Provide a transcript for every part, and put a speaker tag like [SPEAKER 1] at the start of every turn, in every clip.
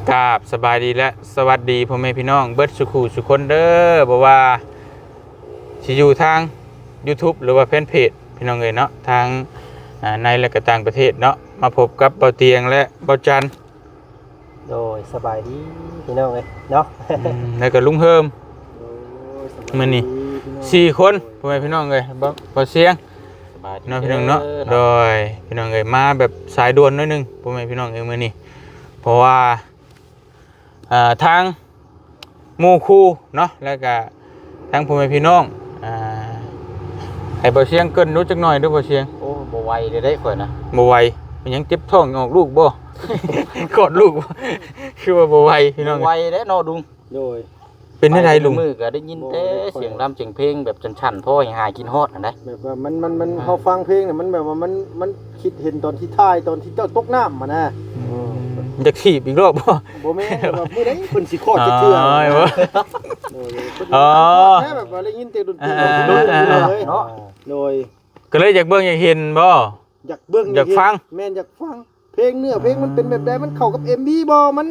[SPEAKER 1] กราบสบายดีและสวัสดีพ่อแม่พี่น้องเบิดสุขุสุคนเด้อบอกว่าสิอยู่ทาง YouTube หรือว่าแฟนเพจพี่น้องเอ้ยเนาะทางในและก็ต่างประเทศเนาะมาพบกับเบาเตียงและเบาจัน
[SPEAKER 2] โดยสบายดีพี่น้องเอ้ยเนาะ
[SPEAKER 1] แล้วก็ลุงเฮิมมื้อนี้4คนพ่อแม่พี่น้องเอ้ยบ่เสียงเนาะพี่น้องเนาะโดยพี่น้องเอ้ยมาแบบสายด่วนหน่อยนึงพ่อแม่พี่น้องเอ้ยมื้อนี้เพราะว่าทางหมู่คู่เนาะแล้วก็ทางพ่อแม่พี่น้องให้บ่เสียงเกินรู้จักหน่อยเด้อบ่เสียง
[SPEAKER 2] โอ้บ่ไหวเลยได้ข่อยนะ
[SPEAKER 1] บ่ไหวมันยังเจ็บท้องออกลูกบ่ กอดลูกคือว่าบ่ไหวพี่น้อง
[SPEAKER 2] ไหวเด้เนาะลุงโดย
[SPEAKER 1] เป็นได้ลุง
[SPEAKER 2] มือก็ได้ยินแต่เสียงรำเสียงเพลงแบบฉันๆพ่อให้หายกินฮอดนั่นได้
[SPEAKER 3] แบบว่ามันเฮาฟังเพลงน่ะมันแบบว่ามันคิดเห็นตอนที่ท้ายตอนที่เจ้าตกน้ำมานะ
[SPEAKER 1] อยากถีบอีกรอบบ่
[SPEAKER 3] แม่นว่ามื้อใดเพิ่นสิคลอดจะเทื่ออ๋อแค่แบบว่าได้ยินเสียงดนตรีเลยเนาะโดย
[SPEAKER 1] ก็เลยอยากเบิ่งอยากเห็นบ่
[SPEAKER 3] อยากเบิ่ง
[SPEAKER 1] อยากฟัง
[SPEAKER 3] แม่นอยากฟังเพลงเนื้อเพลงมันเป็นแบบใดมันเข้ากับ MV บ่มัน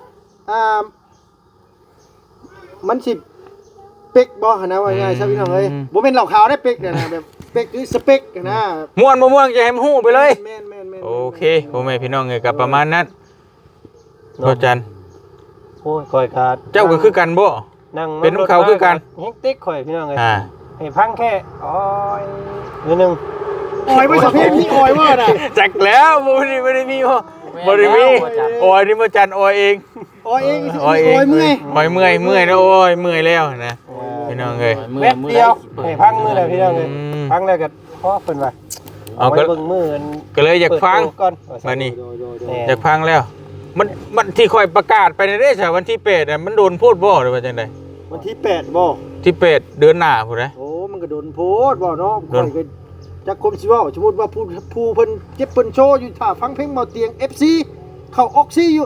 [SPEAKER 3] มันสิเป๊กบ่หั่นนะว่าง่ายๆซะพี่น้องเอ้ยบ่แม่นเหล้าขาวได้เป๊กเนี่ยนะแบบเป๊กคือสเปกนะ
[SPEAKER 1] ม่วนบ่ม่วนจะให้มันฮู้ไปเลย
[SPEAKER 3] แม่น
[SPEAKER 1] โอเคพ่อแม่พี่น้องเอ้ยก็ประมาณนั้นบ่จัน
[SPEAKER 2] โอ้ยข่อยขาด
[SPEAKER 1] เจ้าก็คือกันบ่
[SPEAKER 2] นั่ง
[SPEAKER 1] เป็นของเขาคือกัน
[SPEAKER 2] เฮงติ๊กข่อยพี่น้องเอ้ยให้พังแค่อ้อยนิดนึง
[SPEAKER 3] อ้อยบ่ใช่เพลงที่อ้อยว่าน่ะ
[SPEAKER 1] จักแล้วบ่ได้มีบ่ได้มีอ้อยนี่บ่จันอ้อยเอง
[SPEAKER 3] อ้อยเองอ้อยเมื่
[SPEAKER 1] อยแล้วโอ้ยเมื่อยแล้วนะพี่น้องเอ้ย
[SPEAKER 2] เม็ดเดียวให้พังมือแล้วพี่น้องเอ้ยพังแล้วก็พอเพิ่นว่า
[SPEAKER 1] เอาก็เบิ่งมือก็เลยอยากฟังมานี่อยากฟังแล้วมันที่ค่อยประกาศไปในเด้ซะวันที่8น่ะมันโดนพูดบ่หรือว่าจังได๋
[SPEAKER 3] วันที่8บ่
[SPEAKER 1] ที่8เดือนหน้าพุ่นนะ
[SPEAKER 3] โอ้มันก็โดนโพดบ่เนาะค่อยก็จักคมสิเว้าสมมุติว่าผู้เพิ่นเจ็บเพิ่นโชว์อยู่ท่าฟังเพลงเมาเตียง FC เข้าออกซี่อยู่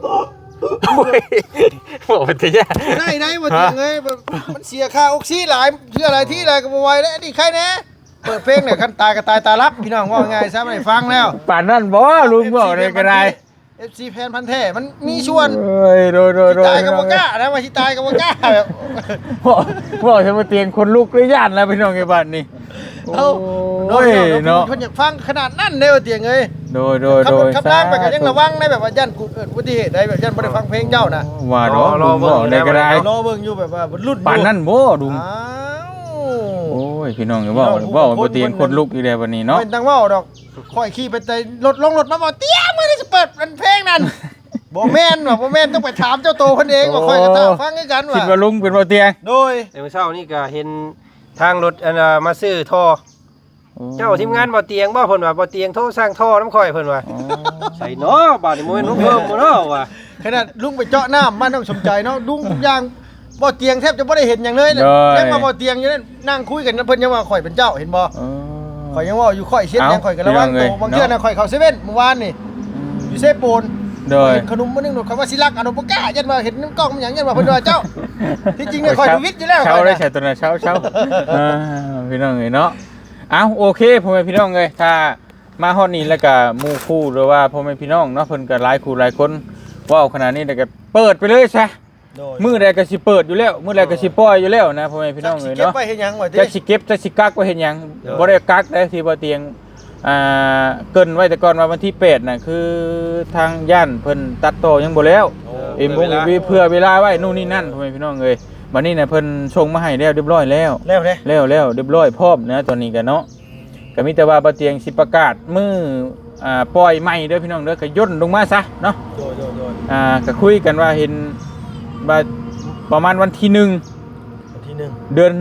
[SPEAKER 1] บอกไปเถอะ
[SPEAKER 3] ได้บ่เตียงเอ้ยมันเสียค่าออกซี่หลายเชื่ออะไรที่อะไรก็บ่ไหวแล้วนี่ใครแน่เปิดเพลงเนี่ยคันตายก็ตายตาลับพี่น้องว่าง่ายซะไม่ได้ฟังแล้ว
[SPEAKER 1] ป่านนั้นบ่ลุงบอกได้ก็ได้
[SPEAKER 3] FC แฟนพันธุ์แท้มันมีชวน
[SPEAKER 1] เอ้ยโดย
[SPEAKER 3] ตายก็บ่กล้านะว่าสิตายก็บ่กล้าแบบ
[SPEAKER 1] บอกจะมาเตียงคนลุกเลยย่านแล้วพี่น้องไอ้บ้านนี่
[SPEAKER 3] โอ้ยเนาะคนอยากฟังขนาดนั้นเด้อเตียงเอ้ย
[SPEAKER 1] โดย
[SPEAKER 3] ขับล่างไปก็ยังระวังได้แบบว่าย่านเกิดอุบัติเหตุได้แบบย่านบ่ได้ฟังเพลงเจ้าน่ะ
[SPEAKER 1] ว่าเนาะรอเบิ่งได้ก็ได้
[SPEAKER 3] รอเบิ่งอยู่แบบว่ารุ่น
[SPEAKER 1] ปานนั้นบ่ดุงโอ้ยพี่น้องเว้าบ่เตียงคนลุกอีแล้ววันนี้เนาะ
[SPEAKER 3] เป็นตังเว้าดอกค่อยขี่ไปแต่รถมาบ่เตียงมื้อนี้สิเปิดเพลงนั้นบ่แม่นต้องไปถามเจ้าโตเพิ่นเองว่าค่อยก็ตาฟังคือกันว่า
[SPEAKER 1] คิดว่าลุงเป็นบ่เตียง
[SPEAKER 3] โดย
[SPEAKER 2] เมื่อเช้านี่ก็เห็นทางรถมาซื้อท่อเจ้าทีมงานบ่เตียงบ่เพิ่นว่าบ่เตียงโทรสร้างท่อน้ำข่อยเพิ่นว่าใส่เนาะบาดนี้บ่แม่นลุงเพิ่มบ่เนาะว่า
[SPEAKER 3] ขนาดลุงไปเจาะน้ำมันต้องสนใจเนาะลุงทุกอย่างบ่เตียงแทบจะบ่ได้เห็นหยังเลยยังมาบ่เตียงอยู่นั่นนั่งคุยกันเพิ่นยังว่าข่อยเป็นเจ้าเห็นบ่ข่อยยังว่าอยู่ข่อยเช็ดยังข่อยก็ระวังตัวบางเทื่อน่ะข่อยเข้าเซเว่นเมื่อวานนี่อยู่เซโปน
[SPEAKER 1] โดย
[SPEAKER 3] ขนมมื้อนึงคำว่าสิรักอนุปกายันว่าเห็นน้ำกล้องมันหยังยันว่าเพิ่นว่าเจ้าที่จริงเนี่ยข่อยดูวิทย์อยู่แล้ว
[SPEAKER 1] เช้าได้ใส่ตัวน่ะเช้าพี่น้องเอ้ยเนาะเอาโอเคพ่อแม่พี่น้องเอ้ยถ้ามาฮอดนี้แล้วก็หมู่คู่หรือว่าพ่อแม่พี่น้องเนาะเพิ่นก็หลายคู่หลายคนว้าวขนาดนี้แล้วก็เปิดไปเลยซะมื้อใดก็สิเปิดอยู่แล้วมื้อใดก็สิปล่อยอยู่แล้วนะพ่อแม่พี่น้องเอ้ยเนาะ
[SPEAKER 3] เก็บไว้เฮ็ดหยังวะ
[SPEAKER 1] จะสิเก็บจะสิกักไว้เฮ็ดหยังบ่ได้กักได้ที่บ่เตียงเกินไว้แต่ก่อนว่าวันที่8น่ะคือทางย่านเพิ่นตัดต่อยังบ่แล้วเพื่อเวลาไว้นู่นนี่นั่นพ่อแม่พี่น้องเอ้ยบัดนี้น่ะเพิ่นส่งมาให้แล้วเรียบร้อยแล้วเรียบร้อยพร้อมนะตอนนี้ก็เนาะก็มีแต่ว่าบ่เตียงสิประกาศมื้อปล่อยใหม่เด้อพี่น้องเด้อก็ย่นลงมาซะเนาะก็คุยกันว่าเห็นว่าประมาณวันที่1เดือน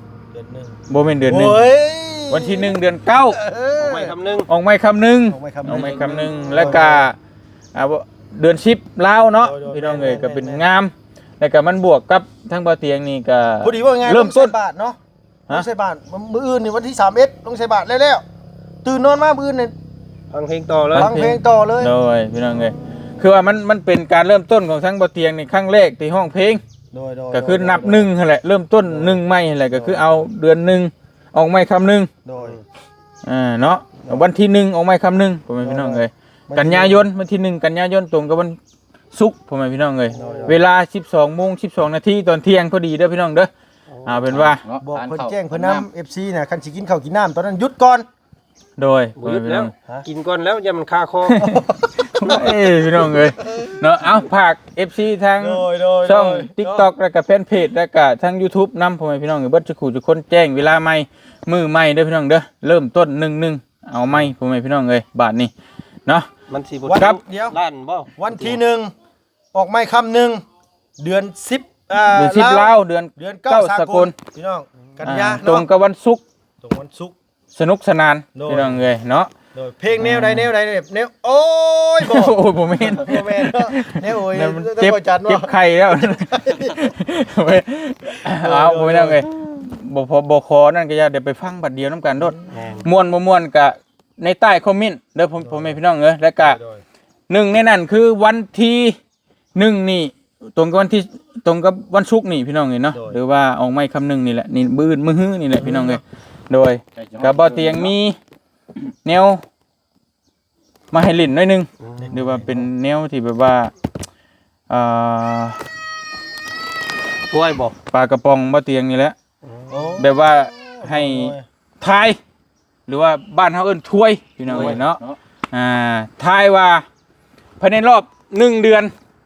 [SPEAKER 1] 1บ่แม่นเดือน1วันที่1เดือน9ออกไม่คำนึงแล้วก็เดือน10ลาวเนาะพี่น้องเอ้ยก็เป็นงามแล้วก็มันบวกกับทั้งบ่เตียงนี่ก็
[SPEAKER 3] พอดีว่าไงเริ่มต้นบาทเนาะลงใส่บาทมื้ออื่นนี่วันที่31ลงใส่บาทแล้วตื่นนอนมามื้ออื่นนี่
[SPEAKER 2] ฟังเพลงต่อเลย
[SPEAKER 1] โดยพี่น้องเอ้ยคือว่ามันเป็นการเริ่มต้นของทั้งบ่เตียงนี่ครั้งแรกที่ห้องเพลงก็คือนับ1นั่นแหละเริ่มต้น1ใหม่นั่นแหละก็คือเอาเดือน1ออกไม่คำนึง
[SPEAKER 3] โดย
[SPEAKER 1] เนาะวันที่1ออกไม่คำนึงพ่อแม่พี่น้องเอ้ยกันยายนวันที่1กันยายนตรงกับวันศุกร์พ่อแม่พี่น้องเอ้ยเวลา 12:12 นาทีตอนเที่ยงพอดีเด้อพี่น้องเด้อเอาเป็นว่า
[SPEAKER 3] บอกเพิ่นแจ้งเพิ่นนำ FC น่ะคันสิกินข้าวกินน้ำตอนนั้นหยุดก่อน
[SPEAKER 1] โดย
[SPEAKER 2] บ่หยุดแล้วกินก่อนแล้วอย่ามันคาคอ
[SPEAKER 1] พี่น้องเอ้ยเนาะเอาฝาก FC ทางช่อง TikTok แล้วก็แฟนเพจแล้วก็ทาง YouTube นำพ่อแม่พี่น้องเอ้ยเบิดจะขู่ทุกคนแจ้งเวลาใหม่มื้อใหม่เด้อพี่น้องเด้อเริ่มต้น11เอาใหม่พ่อแม่พี่น้องเอ้ยบาทนี้เนาะ
[SPEAKER 2] มันสิบ่
[SPEAKER 1] ครับ
[SPEAKER 3] เดี๋ยว
[SPEAKER 2] ล้านบ่
[SPEAKER 3] วันที่1ออกไม่ค่ำหนึ่งเดือน10
[SPEAKER 1] เดือน10ลาวเดือน 9 สกล
[SPEAKER 3] พี่น้องกันยา
[SPEAKER 1] ตรงกับวันศุกร์
[SPEAKER 3] ตรงวันศุกร์
[SPEAKER 1] สนุกสนาน
[SPEAKER 3] โดย
[SPEAKER 1] พี่น้องเอ้ยเนาะ
[SPEAKER 3] โดยเพลงแนวใดแนวโอ้ยบ่
[SPEAKER 1] โอ้ยบ่แม่น
[SPEAKER 3] บ่แม่นเนาะแนวโอ้ย
[SPEAKER 1] นั่นมัน
[SPEAKER 3] ต้อง
[SPEAKER 1] เจ็บ
[SPEAKER 3] บ่จัด
[SPEAKER 1] เจ็บ
[SPEAKER 3] เนาะ
[SPEAKER 1] ไข้แล้วเอาบ่แม่นเอ้ยบ่พอบ่ขอนั่นก็อย่าเดี๋ยวไปฟังบัดเดียวนํกันโดด
[SPEAKER 2] แม่น
[SPEAKER 1] ม่วนบ่ม่วนก็ในใต้คอมเมนต์เด้อผมให้พี่น้องเอ้ยแล้วก็หนึ่งในนั้นคือวันที่1นี่ตรงกับวันที่ตรงกับวันศุกร์นี่พี่น้องเอ้ยเนาะหรือว่าออกไม้คำหนึ่งนี่แหละนี่มื้อมื้อฮื้อนี่แหละพี่น้องเอ้ยโดยก็บ่เตียงมีแนวมาให้ลิ้นหน่อยหนึงหรือว่าเป็นแนวที่แบบว่าอ่า
[SPEAKER 2] ป่วยบ่
[SPEAKER 1] ปลากระป๋องบ่เตียงนี่แหละ
[SPEAKER 3] โอ้
[SPEAKER 1] แบบว่าให้ทายหรือว่าบ้านเฮาเอิ้นถ้วยพี่น้องเอ้ยเนาะทายว่าภายในรอบ1เดือน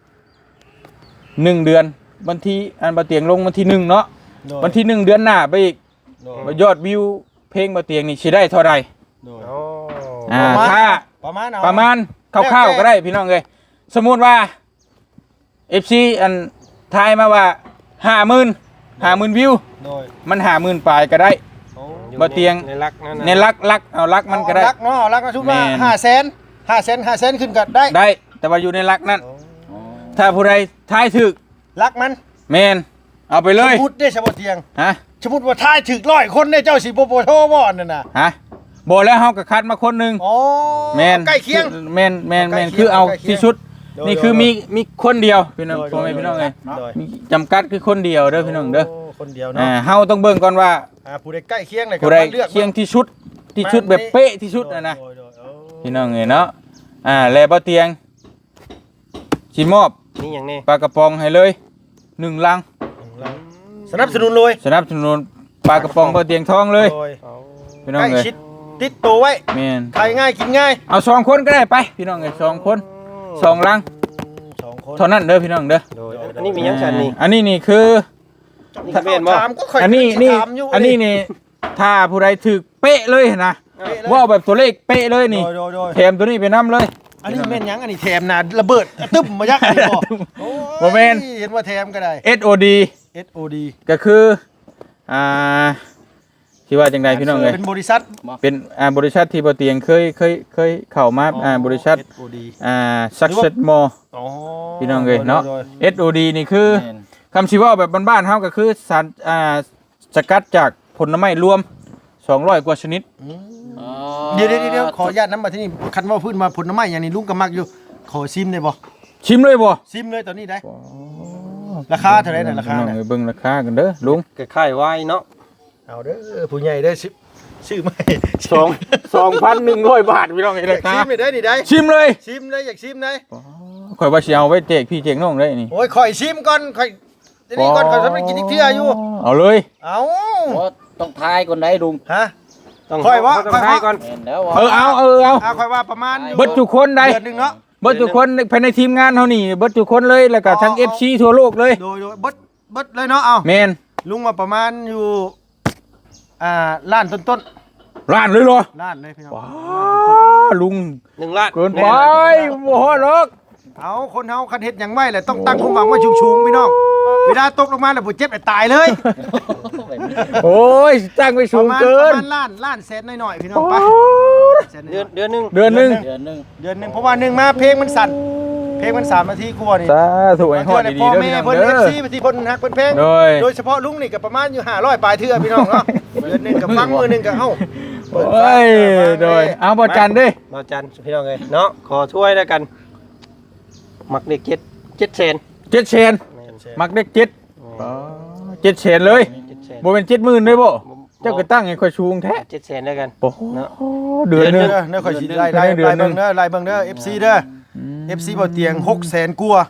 [SPEAKER 1] 1เดือนวันที่อันบ่เตียงลงวันที่1เนาะ
[SPEAKER 3] โดย
[SPEAKER 1] วันที่1เดือนหน้าไปอีก
[SPEAKER 3] โดย
[SPEAKER 1] ว่ายอดวิวเพลงบ่เตียงนี่สิได้เท่าใด
[SPEAKER 3] โดย
[SPEAKER 2] อ๋อ
[SPEAKER 1] ถ้า
[SPEAKER 3] ประมาณเอา
[SPEAKER 1] ประมาณคร่าวๆก็ได้พี่น้องเอ้ยสมมุติว่า FC อันทายมาว่า50,000วิว
[SPEAKER 3] โดย
[SPEAKER 1] มัน50,000ปลายก็ได้
[SPEAKER 3] โอ้
[SPEAKER 2] อยู่
[SPEAKER 1] บ่เตียง
[SPEAKER 2] ในรักนั่นน่ะ
[SPEAKER 1] ในลักเอาลักมันก็ได้
[SPEAKER 3] รักเนาะรักนะชุบว่า
[SPEAKER 1] แม่น
[SPEAKER 3] 500,000ขึ้นก็ได้
[SPEAKER 1] ได้แต่ว่าอยู่ในลักนั้น ถ้าผู้ใดทายถึก
[SPEAKER 3] รักมัน
[SPEAKER 1] แมนเอาไปเลย
[SPEAKER 3] สมมุติได้สมมุติเตียง
[SPEAKER 1] ฮะ
[SPEAKER 3] สมมุติว่าทายถึก100คนได้เจ้าสิบ่โทรบ่นั่นน่ะ
[SPEAKER 1] ฮะบอกแล้วเฮาก็คัดมาคนหนึง
[SPEAKER 3] อ๋อ
[SPEAKER 1] แมน
[SPEAKER 3] ใกล้เคียง
[SPEAKER 1] แมน
[SPEAKER 3] ใกล้เคียง
[SPEAKER 1] คือเอา
[SPEAKER 3] ใกล้เคียง
[SPEAKER 1] ที่ชุด
[SPEAKER 3] โดย
[SPEAKER 1] นี่คือ
[SPEAKER 3] โดย
[SPEAKER 1] มีคนเดียวพี่น้อง
[SPEAKER 3] โดย
[SPEAKER 1] พ่อแม่พี่น้องเอ้ย
[SPEAKER 3] โดย
[SPEAKER 1] มีจำกัดคือคนเดียวเด้อพี่น้องเด้อ
[SPEAKER 3] โคนเดียวเนาะ
[SPEAKER 1] เฮาต้องเบิ่งก่อนว่า
[SPEAKER 3] ผู้ใดใกล้เคียงเลยก็
[SPEAKER 1] ผู้ใด
[SPEAKER 3] มาเลือก
[SPEAKER 1] เคียงที่ชุดแบบเป๊ะที่ชุดนะ
[SPEAKER 3] โดยโดยโอ้
[SPEAKER 1] พี่น้องเอ้ยเนาะแล้วบ่เตียงสิมอบ
[SPEAKER 2] นี่หยังนี่
[SPEAKER 1] ปลากระป๋องให้เลย1ลัง
[SPEAKER 3] สนับสนุนเลย
[SPEAKER 1] สนับสนุนปลากระป๋องบ่เตียงทองเลย
[SPEAKER 3] โดย
[SPEAKER 1] พี่น้อง
[SPEAKER 3] ใกล้
[SPEAKER 1] เอ้ย
[SPEAKER 3] ชิดติดตัวไว้
[SPEAKER 1] แม่น
[SPEAKER 3] ขายง่ายกินง่าย
[SPEAKER 1] เอา2คนก็ได้ไปพี่น้องเอ้ย2คน2ลัง
[SPEAKER 3] 2 คน
[SPEAKER 1] เท่านั้นเด้อพี่น้องเด้อ
[SPEAKER 2] โดยอันนี้มีหยังฉันนี่
[SPEAKER 1] อันนี้นี่คือ
[SPEAKER 2] นี่ก็แม่นบ่
[SPEAKER 3] ถามก็ค่อย
[SPEAKER 1] อันนี้นี่
[SPEAKER 3] ถามยู่
[SPEAKER 1] อันนี้นี่ถ้าผู้ใดถึกเป๊ะเลยนะ
[SPEAKER 3] เป๊ะเลย
[SPEAKER 1] ว่าเอาแบบตัวเลขเป๊ะเลยนี่
[SPEAKER 3] โดย
[SPEAKER 1] แถมตัวนี้ไปนํเลย
[SPEAKER 3] อันนี้แม่นหยังอันนี้แถมนะระเบิดตึ้มมายักอันนี้บ่โอ้ย
[SPEAKER 1] บ่แม่น
[SPEAKER 3] เห็นว่าแถมก็ได้
[SPEAKER 1] SOD
[SPEAKER 3] SOD
[SPEAKER 1] ก็คือที่ว่าจังไดพี่น้องเอ้ย
[SPEAKER 3] เป็นบริษัท
[SPEAKER 1] เป็นบริษัทที่บ่เตียงเคยเข้ามาบริษัท
[SPEAKER 3] SOD
[SPEAKER 1] Success More
[SPEAKER 3] อ๋อ
[SPEAKER 1] พี่น้องเอ้ยเนาะ
[SPEAKER 3] โดย
[SPEAKER 1] SOD นี่คือคำสิเว้าแบบบ้านๆเฮาก็คือสารสกัดจากผลไม้รวม200กว่าชนิด
[SPEAKER 3] เดี๋ยวขออนุญาตนำมาที่นี่คันว่าพื้นมาผลไม้อย่างนี้ลุงก็มักอยู่ขอซิมได้บ่
[SPEAKER 1] ชิมเลยบ่
[SPEAKER 3] ซิมเลยตอนนี้ได้ราคาเท่าไหร่น่ะราคา
[SPEAKER 1] น้อง
[SPEAKER 3] น่ะ
[SPEAKER 1] เอ้ยเบิ่งราคากันเด้อลุง
[SPEAKER 2] ก็ค่ายไว้เนาะ
[SPEAKER 3] เอาเด้อผู้ใหญ่เด้อซื้อไหม
[SPEAKER 1] 2,100 บาทพี่น้องเอ้ย
[SPEAKER 3] อยา
[SPEAKER 1] ราก คา
[SPEAKER 3] ซิมเลยได้นี่ได้
[SPEAKER 1] ชิมเลย
[SPEAKER 3] ซิมเลยอยากซิมเลย
[SPEAKER 1] ข่อยว่าสิเอาไว้แจกพี่แจกน้องได้นี่
[SPEAKER 3] โอ้ยข่อยซิมก่อนข่อยทีนี้ก่อนข่อยทำให้กินอีกเทื่ออยู่
[SPEAKER 1] เอาเลย
[SPEAKER 3] เอา
[SPEAKER 4] โอ้ต้องทายก่อนได้ลุง
[SPEAKER 3] ฮะ
[SPEAKER 2] ต้อง
[SPEAKER 3] ค่อยว่า
[SPEAKER 2] ต้องให้ก่อน
[SPEAKER 4] เห็นแล้วว่า
[SPEAKER 1] เอา
[SPEAKER 3] ข่อยว่าประมาณอยู่
[SPEAKER 1] เบิดทุกคนได้
[SPEAKER 3] เดือนหนึงเนาะ
[SPEAKER 1] เบิดทุกคนภายในทีมงานเฮานี่เบิดทุกคนเลยแล้วก็ทั้ง FC ทั่วโลกเลย
[SPEAKER 3] โดยเบิดเลยเนาะเอา
[SPEAKER 1] แมน
[SPEAKER 3] ลุงมาประมาณอยู่ล้านต้น
[SPEAKER 1] ล้านเลยเหรอ
[SPEAKER 3] ๆล้านเลยพี่น้อง
[SPEAKER 1] ว้าลุง
[SPEAKER 2] 1ล้าน
[SPEAKER 1] เกินไปบ่ฮอดหรอก
[SPEAKER 3] เอาคนเฮาคันเฮ็ดหยังไว้แหละต้องตั้งความหวังไว้สูงๆพี่น้องเวลาตกลงมาแล้วบ่เจ็บแต่ตายเลย
[SPEAKER 1] โอ้ยตั้งไว้สูงเกิน
[SPEAKER 3] ประมาณล้านแสนน้อยๆพี่น้องไปแสนน้
[SPEAKER 2] เดือน
[SPEAKER 3] อย
[SPEAKER 2] เดือนหนึง
[SPEAKER 1] เดือนหนึง
[SPEAKER 4] เดือนหนึง
[SPEAKER 3] ๆเดือนหนึงเพราะว่าหนึ่งมาเพลงมันสั่นเพลงมัน3นาทีกว่านี่
[SPEAKER 1] สาธุให้ฮอดดีๆเด้อ
[SPEAKER 3] พ่อ
[SPEAKER 1] พี่
[SPEAKER 3] แม่
[SPEAKER 1] น้อง
[SPEAKER 3] เพิ่น
[SPEAKER 1] เด้อ
[SPEAKER 3] FC บางทีเพิ่นฮักเพิ่นเพลง
[SPEAKER 1] โดย
[SPEAKER 3] เฉพาะลุงนี่ก็ประมาณอยู่500ปลายเทื่อพี่น้องเนาะเดือนหนึงก็ฟังมื้อหนึงก็เอ้าเปิด
[SPEAKER 1] โอ้ยโดยเอาบ่จันเด้
[SPEAKER 2] มาจันพี่น้องเอ้ยเนาะขอช่วยแล้วกันมักเด็ก7เซน
[SPEAKER 1] 7เชนมักเด็ก7อ๋อ7เชนเลย
[SPEAKER 2] 7เซน
[SPEAKER 1] บ่เป็น70,000เลยบ่เจ้าก็ตั้งให้ค่อยสูงแท้
[SPEAKER 2] 7เซนแล้วกัน
[SPEAKER 1] โอ้โห
[SPEAKER 2] เนาะ
[SPEAKER 1] เดือนหนึง
[SPEAKER 3] เด้อข่อยสิไล่เบิ่งเด้อFC เด้อ FC บ่เตียง600,000กว่า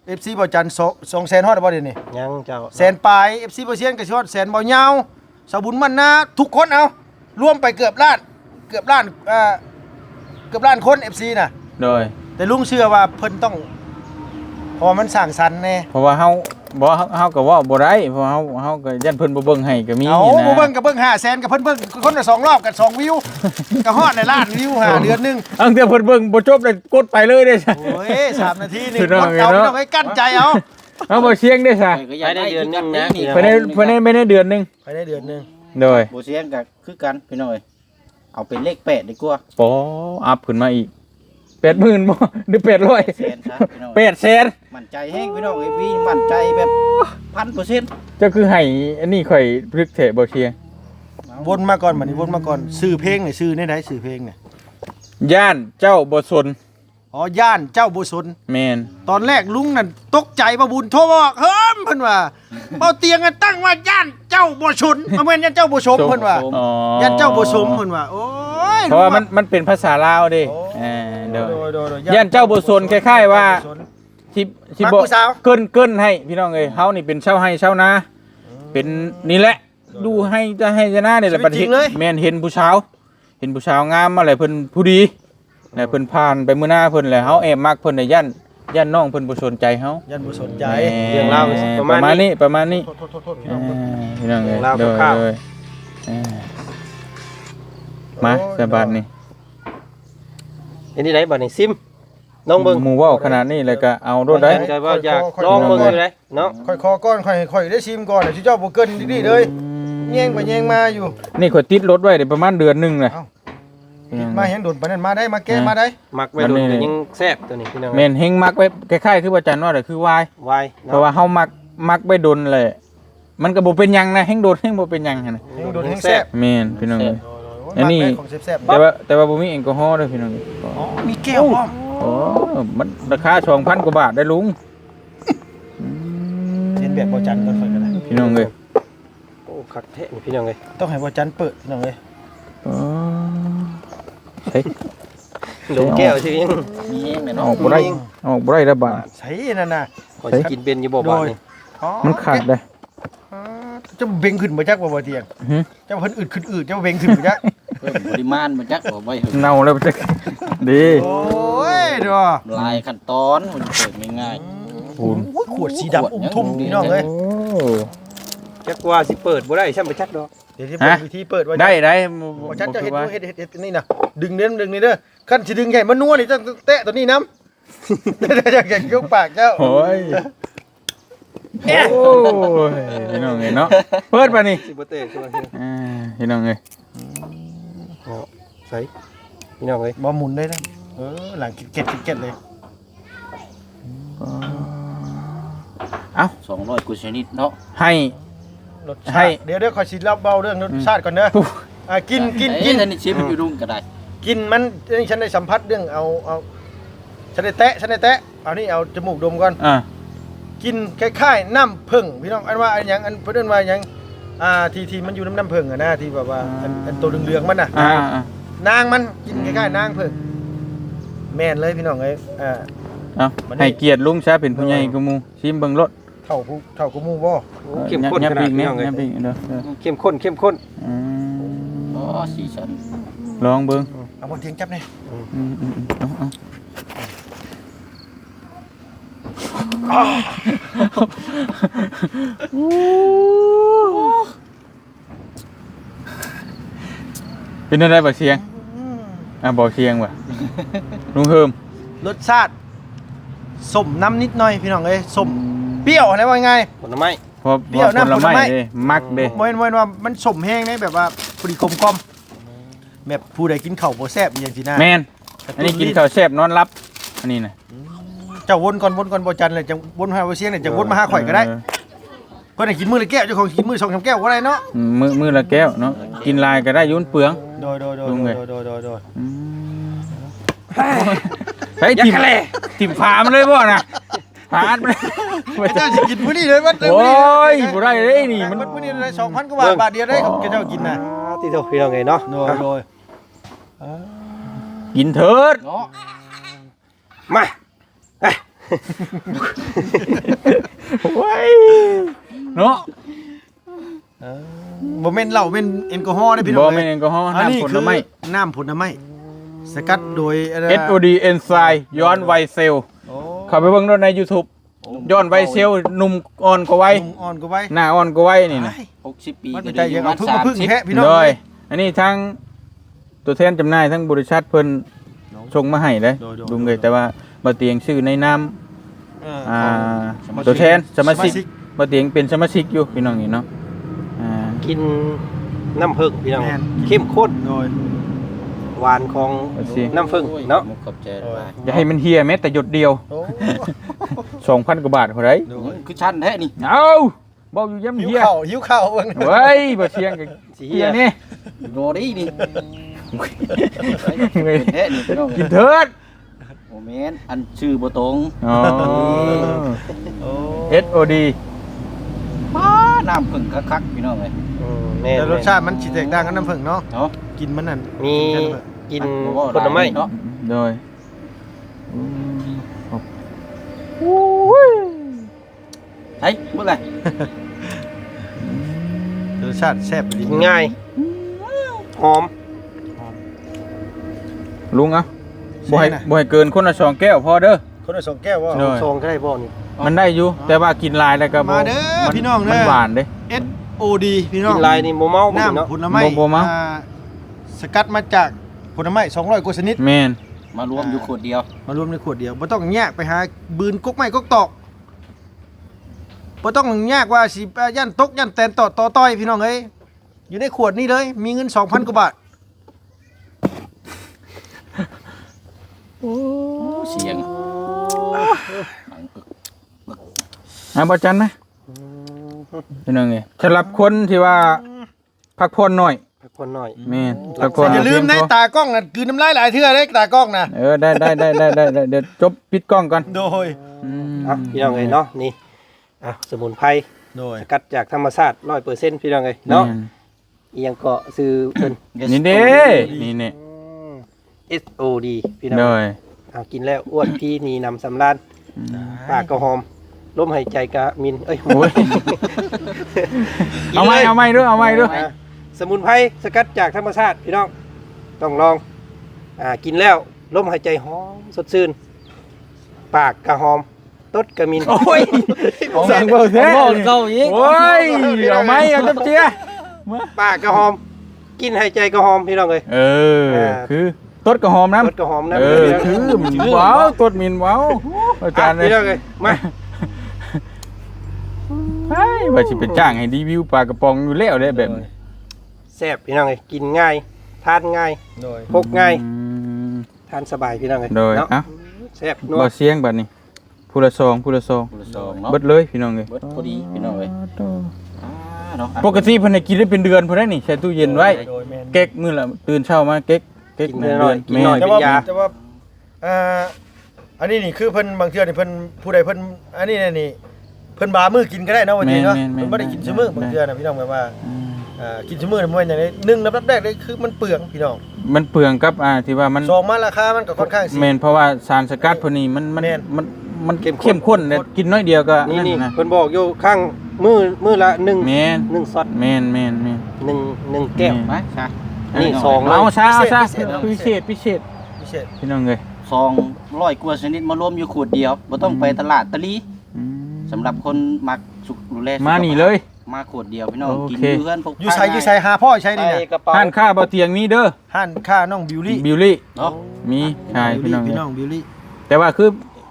[SPEAKER 3] FC บ่จัน200,000ฮอดบ่เดี๋ยวนี้
[SPEAKER 2] ยังเจ้า
[SPEAKER 3] แสนปลาย FC บ่เซียนก็สิฮอดแสนบ่ยาวสาวบุญมันนาทุกคนเอารวมไปเกือบล้านเกือบล้านคน FC น่ะ
[SPEAKER 1] โดย
[SPEAKER 3] แต่ลุงเชื่อว่าเพิ่นต้องเพราะว่ามันสร้างสรรค์แน่
[SPEAKER 1] เพราะว่าเฮาเฮาก็ว่าบ่ได้เพราะเฮาก็ยันเพิ่นบ่เบิ่งให้ก็มี
[SPEAKER 3] เอา
[SPEAKER 1] นะ
[SPEAKER 3] บ่เบิ่งก็เบิ่ง500,000ก็เพิ่นเบิ่งคนละ2รอบกัน2วิวก็ฮอดในล้านวิวเดือนหนึง
[SPEAKER 1] อังแต่เพิ่นเบิ่งบ่จบเลยกดไปเลยเด้ซะ
[SPEAKER 3] โอ้ย3นาทีนี่
[SPEAKER 1] พี่น้
[SPEAKER 3] ก
[SPEAKER 1] อง
[SPEAKER 3] ดเอา
[SPEAKER 1] เนาะ
[SPEAKER 3] ต้องให้กั้นใจเอา
[SPEAKER 1] เอาบ่เสียงเด้ซะ
[SPEAKER 4] ก็อยากได้เดือนนึงนะ
[SPEAKER 1] ภายในไม่ได้เดือนหนึง
[SPEAKER 3] ภายในเดือนหนึง
[SPEAKER 1] โดย
[SPEAKER 4] บ่เสียงก็คือกันพี่น้อยเอาเป็นเลข8ดีกว่า
[SPEAKER 1] ปออัพขึ้นมาอีก 80,000บ่หรือ800
[SPEAKER 4] แสนซะพี่น้อย
[SPEAKER 1] 800,000
[SPEAKER 4] มั่นใจแฮงพี่น้องเอ้ยพี่มั่นใจแบบ 1,000%
[SPEAKER 1] เจ้าคือให้อันนี้ข่อยพลึกเถะบ่เชียง
[SPEAKER 3] วนมาก่อนบัดนี้วนมาก่อนชื่อเพลงนี่ชื่อในใดชื่อเพลงนี่
[SPEAKER 1] ย่านเจ้าบ่สน
[SPEAKER 3] อ๋อย่านเจ้าบ่สน
[SPEAKER 1] แม่น
[SPEAKER 3] ตอนแรกลุงนั่นตกใจบ่บุญโทรบอกเฮิมเพิ่นว่าเบาเตียงกันตั้งว่าย่านเจ้าบ่สนบ่แม่นย่านเจ้าบ่สมเพิ่นว่า
[SPEAKER 1] อ๋อย่
[SPEAKER 3] านเจ้าบ่สมเพิ่นว่าโอ้ย
[SPEAKER 1] เพราะว่ามันเป็นภาษาลาวเด้
[SPEAKER 3] โอ้
[SPEAKER 1] โดย
[SPEAKER 3] โดย
[SPEAKER 1] ย่านเจ้าบ่สนคล้ายๆว่า ที่
[SPEAKER 3] มัก
[SPEAKER 1] บ่
[SPEAKER 3] ผู้สาว
[SPEAKER 1] เกินให้พี่น้องเอ้ยเฮานี่เป็นชาวไร่ชาวนาเป็นนี่แหละ ดูให้จะนานี่แหละบัดเห็นแม่นเห็นผู้สาวงามมาแหละเพิ่นผู้ดีแล้วเพิ่นผ่านไปมื้อหน้าเพิ่นแหละเฮาแอบมักเพิ่นน่ะย่านน้องเพิ่นบ่สนใจเฮา
[SPEAKER 3] ย่านบ่สนใจ
[SPEAKER 2] เรื่องราว
[SPEAKER 1] ประมาณนี้ประมาณนี้
[SPEAKER 3] โทษพี่น้อง
[SPEAKER 1] พี่น้องเอ้ย
[SPEAKER 2] ลาวคร่าวๆ
[SPEAKER 1] โดยมาสบายนี่
[SPEAKER 2] อันนี้ไหนบัดนี้ซิมน้องเบิ่ง
[SPEAKER 1] หมู่เว้าขนาดนี้แล้วก็เอาโดดได้
[SPEAKER 2] ใจว่าอยากลองเบิ่งอยู่ไหนเนาะ
[SPEAKER 3] ค่อยคอก่อนค่อยได้ชิมก่อนสิเจ้าบ่เกินดีๆเลยแย่งไปแย่งมาอยู่
[SPEAKER 1] นี่ข่อยติดรถไว้ได้ประมาณเดือนหนึงน่ะ
[SPEAKER 3] มาแฮงโดนปานนั้นมาได้มาแก้มาได้
[SPEAKER 2] มักไว้โดนก็ยังแซ่บตัวนี้พี่น้อง
[SPEAKER 1] แม่นเฮงมักไว้คล้ายๆคือว่าจันว่าน่ะคือวาย
[SPEAKER 2] วาย
[SPEAKER 1] เพราะว่าเฮามักไว้ดนแหละมันก็บ่เป็นหยังนะเฮงโดนเฮงบ่เป็นหยังหั่นน่ะ
[SPEAKER 3] แฮงโดนแฮงแซ่บ
[SPEAKER 1] แม่นพี่น้องเอ้ย อั
[SPEAKER 3] อั
[SPEAKER 1] น
[SPEAKER 3] น
[SPEAKER 1] นี้
[SPEAKER 3] นี้ของแซ่บๆ
[SPEAKER 1] แต่ว่าบ่มีแอลกอฮอล์เด้อพี่น้องเอ้ย
[SPEAKER 3] อ๋อมีแก้วพร้อม
[SPEAKER 1] โอ้มันราคา 2,000 กว่าบาทได้ลุง
[SPEAKER 3] เรียนแบบบ่จันก่อนค่อยก็ได้
[SPEAKER 1] พี่น้องเอ้ย
[SPEAKER 2] โอ้คักแท้นี่พี่น้องเอ้ย
[SPEAKER 3] ต้องให้บ่จันเปิดพี่น้องเอ้ย
[SPEAKER 1] อ๋อเฮ้ย
[SPEAKER 2] ลงแก้วสิยัง
[SPEAKER 4] มีแฮงแน่
[SPEAKER 1] อ
[SPEAKER 4] เนาะ
[SPEAKER 1] อกบ่ได้ละบาท
[SPEAKER 3] ใส่นั่นน่ะ
[SPEAKER 2] ขอสิกินเป็นอยู่บ่บาดนี่
[SPEAKER 3] อ๋อ
[SPEAKER 1] มันขาดเลย
[SPEAKER 3] จะเบ่งขึ้นบ่จักบ่เตียง
[SPEAKER 1] หึ
[SPEAKER 3] เจ้าเพิ่นอึดขึ้นอึดเจ้าเบ่งขึ้นบ่จัก
[SPEAKER 4] เพิ่มปริมาณมันจักบ่ไว้ถึง
[SPEAKER 1] เน่าแล้วจักดี
[SPEAKER 3] โอ้ยเด้อ
[SPEAKER 4] ลายขั้นตอนมันเปิดง่าย
[SPEAKER 3] โอ้ยขวดสีดำอุ้มทุ่มพี่น้องเอ้ย
[SPEAKER 1] โอ้
[SPEAKER 2] จักว่าสิเปิดบ่ได้ช่ำบ่จักดอก
[SPEAKER 3] เดี๋ยวที่เปิดวิธีเปิดว่า
[SPEAKER 1] ได้
[SPEAKER 3] บ่จันเจ้าเฮ็ดเฮ็ดนี่น่ะดึงเด้ดึงนี่เด้อคันสิดึงใหญ่มันนัวนี่ต้องแตะตัวนี้น้ำอยากยกปากเจ้า
[SPEAKER 1] โอ้ยโอ้ยพี่น้องเอ้ยเนาะเปิดป่ะนี่
[SPEAKER 2] สิบ่เตะช่วย
[SPEAKER 1] พี่น้องเอ้ย
[SPEAKER 2] ใส่พี่น้องเอ้ย
[SPEAKER 3] บ่หมุนได้นะหลังเก็ดเลย
[SPEAKER 1] เอ้า
[SPEAKER 4] ๆ200กว่าชนิดเนาะ
[SPEAKER 1] ให้
[SPEAKER 3] รสชาติเดี๋ยวขอยสิเล่าเบาเรื่องรสชาติก่อนเด้อกิน
[SPEAKER 4] เอ้ยท่านนี่ชิมอยู่รุ่งก็ได้
[SPEAKER 3] กินมันนี่ฉันได้สัมผัสเรื่องเอาฉันได้แตะเอานี่เอาจมูกดมก่อน กินคล้ายๆน้ำผึ้งพี่น้องอันว่าอันหยังอันเพิ่นว่าหยังที่มันอยู่น้ำผึ้งอ่ะนะที่แบบว่าอันตัวเหลืองๆมันน่ะนางมันกินคล้ายๆนางผึ้งแม่นเลยพี่น้องเอ้ย
[SPEAKER 1] ให้เกียรติลุงซะเป็นผู้ใหญ่กูมูชิมเบิ่งรถ
[SPEAKER 3] เท่ากูหมู่บ่
[SPEAKER 2] เข้มข้นขนาดพี่น้องเอ้ย
[SPEAKER 1] เด้อ
[SPEAKER 2] เข้มข้น
[SPEAKER 4] อ๋อสีสัน
[SPEAKER 1] ลองเบิ่ง
[SPEAKER 3] เอาบ่เทียงจับนี่
[SPEAKER 1] เป็นอะไรบ่เสียงบ่เสียงว่ะลุงเฮิม
[SPEAKER 3] รสชาติส้มน้ำนิดหน่อยพี่น้องเอ้ยส้มเปรี้ยวอะไรว่าไง
[SPEAKER 2] ผลไม้
[SPEAKER 1] พอ
[SPEAKER 3] เปรี้ยวน้ำผลไม้
[SPEAKER 1] เด้มักเด้
[SPEAKER 3] บ่เห็นว่ามันส้มแห้งนี่แบบว่าพอดีกลมๆแบบผู้ใดกินข้าวบ่แซ่บอย่างซี่นะ
[SPEAKER 1] แม่นอันนี้กินข้าวแซ่บนอนรับอันนี้น่ะ
[SPEAKER 3] เจ้าวนก่อนบ่จันเลยจังวนหาบ่เสียงเนี่ยจังวนมาหาข่อยก็ได้เพิ่นให้กินมื้อละแก้วเจ้าของกินมื้อ2-3แก้วก็ได้เนาะ
[SPEAKER 1] มื้อละแก้วเนาะกินลายก็ได้ยุ่นเปลือง
[SPEAKER 3] โดย
[SPEAKER 1] เฮ้ยทิ่มฝามันเลยบ่น่ะฝาดมัน
[SPEAKER 3] เจ้าสิกินมื้อนี้เลยวัด
[SPEAKER 1] โอ้ยบ่ได้เลยนี่มัน
[SPEAKER 3] มื้อนี้ได้ 2,000 กว่าบาทเดียวได้ของเจ้ากินน่ะ
[SPEAKER 2] ที่โตพี่น้องเอ้ยเนาะ
[SPEAKER 3] โดย
[SPEAKER 1] กินเถิด
[SPEAKER 4] เนาะ
[SPEAKER 2] มา
[SPEAKER 1] โอ้ยเนาะ
[SPEAKER 3] บ่แม่นเหล้าเป็นแอลกอฮอล์ได้พี่น้
[SPEAKER 1] บ่
[SPEAKER 3] อง
[SPEAKER 1] แม่นแอลกอฮอล์
[SPEAKER 3] อันนี้
[SPEAKER 1] น้ำผ
[SPEAKER 3] คื
[SPEAKER 1] ล
[SPEAKER 3] อ
[SPEAKER 1] ไม้
[SPEAKER 3] น้ำผลไม้สกัดโดยอะไรนะ
[SPEAKER 1] SOD เอนไซม์ย้อนวัยเซลล์
[SPEAKER 3] โอ้
[SPEAKER 1] เข้าไปเบิ่งใน YouTube ย้อนวัยเซลล์หนุ่มอ่อนกว่าวัย
[SPEAKER 3] ลุงอ่อนก็ไว้
[SPEAKER 1] หน้าอ่อนกว่าวัยนี่นะ
[SPEAKER 4] 60 ปี
[SPEAKER 3] มัน
[SPEAKER 4] ก็
[SPEAKER 3] เป็นใจ
[SPEAKER 4] ได้อ
[SPEAKER 3] ยั
[SPEAKER 4] ยู่
[SPEAKER 3] ง
[SPEAKER 4] มา
[SPEAKER 3] เอาพึ่งมาพึ่ง
[SPEAKER 4] 30
[SPEAKER 3] แพะพี่น้อง
[SPEAKER 1] โด
[SPEAKER 3] เลย ย
[SPEAKER 1] อันนี้ทั้งตัวแทนจำหน่ายทั้งบริษัทเพิ่นส่งมาให้เลย
[SPEAKER 3] โดย
[SPEAKER 1] ลุงเลยแต่ว่าบ่เตียงชื่อในนาม
[SPEAKER 3] อ่า
[SPEAKER 1] ตัวแทนสมาชิก
[SPEAKER 3] สมาชิก
[SPEAKER 1] บ่เตียงเป็นสมาชิกอยู่พี่น้องนี่เนาะอ่า
[SPEAKER 2] กินน้ำผึ้งพี่น้อง
[SPEAKER 3] แม่น
[SPEAKER 2] เข้มข้น
[SPEAKER 3] โดย
[SPEAKER 2] หวานของน้ำผึ้งเนาะ
[SPEAKER 4] มุกขอบใจหลาย
[SPEAKER 1] อย่าให้มันเฮียแม้แต่หยดเดียว
[SPEAKER 3] โอ้
[SPEAKER 1] 2,000 กว่าบาทเท่าไหร่
[SPEAKER 3] โดย
[SPEAKER 4] คือชั้นแท้นี่
[SPEAKER 1] เอ้าบ่อยู่ย้ำ
[SPEAKER 3] หิว
[SPEAKER 1] เฮีย
[SPEAKER 3] ข้าวเบิ่ง
[SPEAKER 1] เว้ยบ่เชียงกับเฮียนี่
[SPEAKER 4] โดดีนี่เป็นแท้นี่พี่น้อง
[SPEAKER 1] กินเถิด
[SPEAKER 4] โอ้แม่นอันชื่อบ่ตรง
[SPEAKER 1] อ๋อ
[SPEAKER 3] โอ้
[SPEAKER 1] SOD
[SPEAKER 4] ป้าน้ำผึ้งคักๆพี่น้องเอ้ย
[SPEAKER 2] แม่น
[SPEAKER 3] แต่รสชาติมันสิแตกต่างกันน้ำผึ้งเนาะ
[SPEAKER 4] เนาะ
[SPEAKER 3] กินมันนั่น
[SPEAKER 2] มีกิน
[SPEAKER 4] บ่ว่า
[SPEAKER 2] ผลไม้
[SPEAKER 4] เนาะ
[SPEAKER 1] โดย
[SPEAKER 4] ใช่เมื่อไหร่
[SPEAKER 3] รสชาติแซ่บดี
[SPEAKER 2] กินง่ายหอม
[SPEAKER 1] ลุงเอาบ่ให้เกินคนละ2แก้วพอเด้อ
[SPEAKER 3] คนละ2แก้วว่า
[SPEAKER 1] โดย
[SPEAKER 2] ซองก็ได้บ่นี่
[SPEAKER 1] มันได้อยู่แต่ว่ากินหลายแล้วก็บ่
[SPEAKER 3] มาเด้อพี่น้องเด้อ
[SPEAKER 1] มันหวานเด้
[SPEAKER 3] SOD พี่น้อ
[SPEAKER 2] กิ
[SPEAKER 3] ง
[SPEAKER 2] นลายนี่บ่เมาบ่เนาะ
[SPEAKER 3] น้ำผลไม้
[SPEAKER 1] บ่เมา
[SPEAKER 3] สกัดมาจากผลไม้200กว่าชนิด
[SPEAKER 1] แม่น
[SPEAKER 4] มารวมอยู่ขวดเดียว
[SPEAKER 3] มารวมในขวดเดียวบ่ต้องแยกไปหาบืนกกไม้กกตอกบ่ต้องแยกว่าสิย่านตกย่านแตนต่อต้อยพี่น้องเอ้ยอยู่ในขวดนี้เลย มีเงิน 2,000 กว่าบาท
[SPEAKER 4] เสียง
[SPEAKER 1] บ่จันไหมพี่น้องเอ้ยสำหรับคนที่ว่าพักผ่อนหน่อย
[SPEAKER 2] พักผ่อนหน่อย
[SPEAKER 1] แม่นพักผ่อน
[SPEAKER 3] อย่าลืมนะ
[SPEAKER 1] เพีงพอ
[SPEAKER 3] ตากล้องน่ะกลืนน้ำลายหลายเทื่อเด้ตากล้องน่ะ
[SPEAKER 1] ได้เดี๋ยวจบปิดกล้องก่อน
[SPEAKER 3] โดย
[SPEAKER 2] อ่ะพี่น้องเอ้ยเนาะนี่อ่ะสมุนไพร
[SPEAKER 3] โดย
[SPEAKER 2] สกัดจากธรรมชาติ 100%พี่น้องเอ้ยเนาะอีหยังก็ซื้อเพิ่น
[SPEAKER 1] นี่เด้นี่เนี่ย
[SPEAKER 2] SOD พี่น้อง
[SPEAKER 1] โดย
[SPEAKER 2] เอากินแล้วอ้วนพี่นี่นำสำราญปากก็หอมลมหายใจก็มินเอ้ย
[SPEAKER 1] โอ้ย เอาไหมด้วย
[SPEAKER 2] อ่ะสมุนไพรสกัดจากธรรมชาติพี่น้องต้องลองกินแล้วลมหายใจหอมสดชื่นปากก็หอมตดก็มิน
[SPEAKER 1] โอ้ยสั่งเบอร์แท้
[SPEAKER 4] เก่าอีก
[SPEAKER 1] โอ้ยเอาไหมเอาจับเจีย
[SPEAKER 2] ปากก็หอม กินหายใจก็หอมพี่น้องเอ้ย
[SPEAKER 1] คือต้นกระหอมน้ำ
[SPEAKER 2] ตดก็หอมนะ
[SPEAKER 1] คือมันว้าวต้นมินว้าวอาจารย์เลย
[SPEAKER 2] พี่น้องเอ้ยมา
[SPEAKER 1] ว่าสิเป็นจ้างให้รีวิวปลากระป๋องอยู่แล้วได้แบบนี้
[SPEAKER 2] แซ่บพี่น้องเอ้ยกินง่ายทานง่าย
[SPEAKER 3] โดย
[SPEAKER 2] พกง่ายทานสบายพี่น้องเอ้ย
[SPEAKER 1] โดย
[SPEAKER 2] เนาะ
[SPEAKER 1] เอ้า
[SPEAKER 2] แซ่บนัว
[SPEAKER 1] บ่เสียงบัดนี้ผู้ละซอง
[SPEAKER 4] ผู้ละซองเนาะ
[SPEAKER 1] เบิดเลยพี่น้องเอ้ย
[SPEAKER 4] เบิดพอดีพี่น้องเอ้ยเนาะ
[SPEAKER 1] ปกติเพิ่นให้กินได้เป็นเดือนพุ่นได้นี่ใส่ตู้เย็นไว้
[SPEAKER 3] โดยแม่น
[SPEAKER 1] เก๊กมื้อละตื่นเช้ามาเก๊ก
[SPEAKER 2] กิน
[SPEAKER 1] หนึ่ง
[SPEAKER 2] หน่อย
[SPEAKER 1] เดือน
[SPEAKER 2] กินหน่อย
[SPEAKER 1] แม่
[SPEAKER 2] เป็นยา
[SPEAKER 3] แต่ว่าอันนี้นี่คือเพิ่นบางเทื่อนี่เพิ่นผู้ใดเพิ่นอันนี้นี่เพิ่นบามือกินก็ได้เนาะวันนี้เนาะเพิ่นบ่ได้กินซุมื้อบางเทื่อน่ะพี่น้องแบบว่ากินซุมื้อนี่มันอย่างนี้1ลำดับแรกเลยคือมันเปลืองพี่น้อง
[SPEAKER 1] มันเปลืองกับที่ว่ามัน
[SPEAKER 3] สองมาราคามันก็ค่อนข้างสิ
[SPEAKER 1] แม่นเพราะว่าสารสกัดพวกนี้มัน
[SPEAKER 3] แม่น
[SPEAKER 1] เข้มข้นเนี่ยกินน้อยเดียวก็
[SPEAKER 2] นี่
[SPEAKER 1] นะ
[SPEAKER 2] เพิ่นบอกอยู่ข้างมือละ1
[SPEAKER 1] แม่น
[SPEAKER 2] 1ช็อต
[SPEAKER 1] แม่น
[SPEAKER 2] 1แก้ว
[SPEAKER 4] ไปซะ
[SPEAKER 2] นี่ซองเลย
[SPEAKER 1] เอาซะพิเศษ
[SPEAKER 3] พิเศษ
[SPEAKER 1] พี่น้องเอ้ย
[SPEAKER 4] 200กว่าชนิดมารวมอยู่ขวดเดียวบ่ต้องไปตลาดตะลีสำหรับคนมักสุขดูแลสุขภพ
[SPEAKER 1] มานี่เลย
[SPEAKER 4] มาขวดเดียวพี่น้อง
[SPEAKER 1] โอ
[SPEAKER 4] กิน
[SPEAKER 1] เค
[SPEAKER 4] เพื่อนพก
[SPEAKER 3] อยู่ใส่หาพ่อใช้นี่
[SPEAKER 2] ใส่
[SPEAKER 3] น่ะ
[SPEAKER 2] กระเป๋า
[SPEAKER 1] ห้านค่าบ่เตียงมีเด้อ
[SPEAKER 3] ห้านค่าน้องบิวลี่
[SPEAKER 1] บิวลี่
[SPEAKER 4] เนาะ
[SPEAKER 1] มีใช่พี่น้อง
[SPEAKER 3] พี่
[SPEAKER 1] เอ้ย
[SPEAKER 3] น้องบิวลี่
[SPEAKER 1] แต่ว่าคือ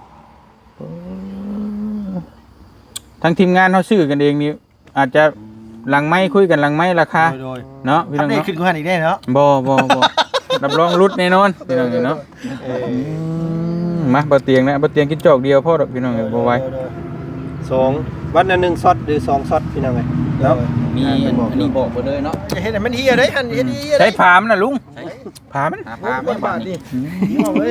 [SPEAKER 1] ทั้งทีมงานเขาซื้อกันเองนี่อาจจะหลังไม้คุยกันหลังไม้ราคา
[SPEAKER 3] โดย
[SPEAKER 1] เนาะพี่
[SPEAKER 3] อั
[SPEAKER 1] น้
[SPEAKER 3] ป
[SPEAKER 1] อง
[SPEAKER 3] เดต
[SPEAKER 1] เนาะ
[SPEAKER 3] ขึ้นกูหันอีกได้เนาะ
[SPEAKER 1] บ่รับรองรุดแน่นอนพี่น้องเอ้ยเนาะมาบ่เตียงนะบ่เตียงกินจอกเดียวพอดอกพี่น้องเอ้ยบ่ไหว
[SPEAKER 2] 2วันละ1ช็อตหรือ2ช็อตพี่น้องเอ้ยเนาะ
[SPEAKER 4] มีอันนี้บอกไปเลยเนาะ
[SPEAKER 3] จะเห็นมันเฮียได้หันเฮ็ดเฮีย
[SPEAKER 1] ใช้ผามน่ะลุงผามมัน
[SPEAKER 4] หาปลาไม่บาดนี่
[SPEAKER 3] เอาเลย